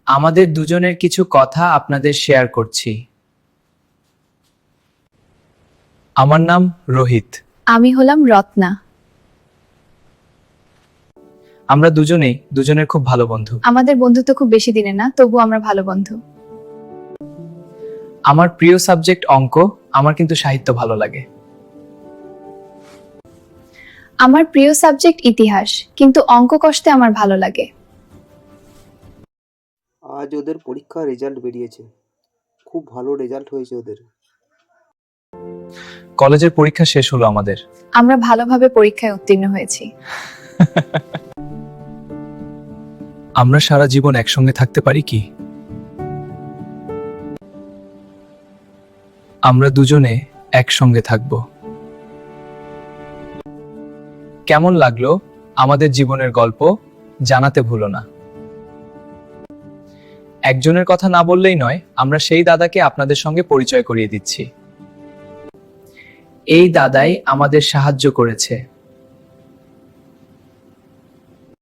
আমাদের দুজনের কিছু কথা আপনাদের শেয়ার করছি। আমার নাম রোহিত। আমি হলাম রত্না। আমরা দুজনেই দুজনের খুব ভালো বন্ধু। আমাদের বন্ধুত্ব খুব বেশি দিনের না, তবু আমরা ভালো বন্ধু। আমার প্রিয় সাবজেক্ট অঙ্ক, আমার কিন্তু সাহিত্য ভালো লাগে। আমার প্রিয় সাবজেক্ট ইতিহাস, কিন্তু অঙ্ক কষতে আমার ভালো লাগে। আজ ওদের পরীক্ষার রেজাল্ট বেরিয়েছে। খুব ভালো রেজাল্ট হয়েছে ওদের। কলেজের পরীক্ষা শেষ হলো আমাদের। আমরা ভালোভাবে পরীক্ষায় উত্তীর্ণ হয়েছি। আমরা সারা জীবন একসঙ্গে থাকতে পারি কি? আমরা দুজনে একসঙ্গে থাকব। কেমন লাগলো আমাদের জীবনের গল্প? জানাতে ভুলো না। একজনের কথা না বললেই নয়, আমরা সেই দাদাকে আপনাদের সঙ্গে পরিচয় করিয়ে দিচ্ছি। এই দাদাই আমাদের সাহায্য করেছে।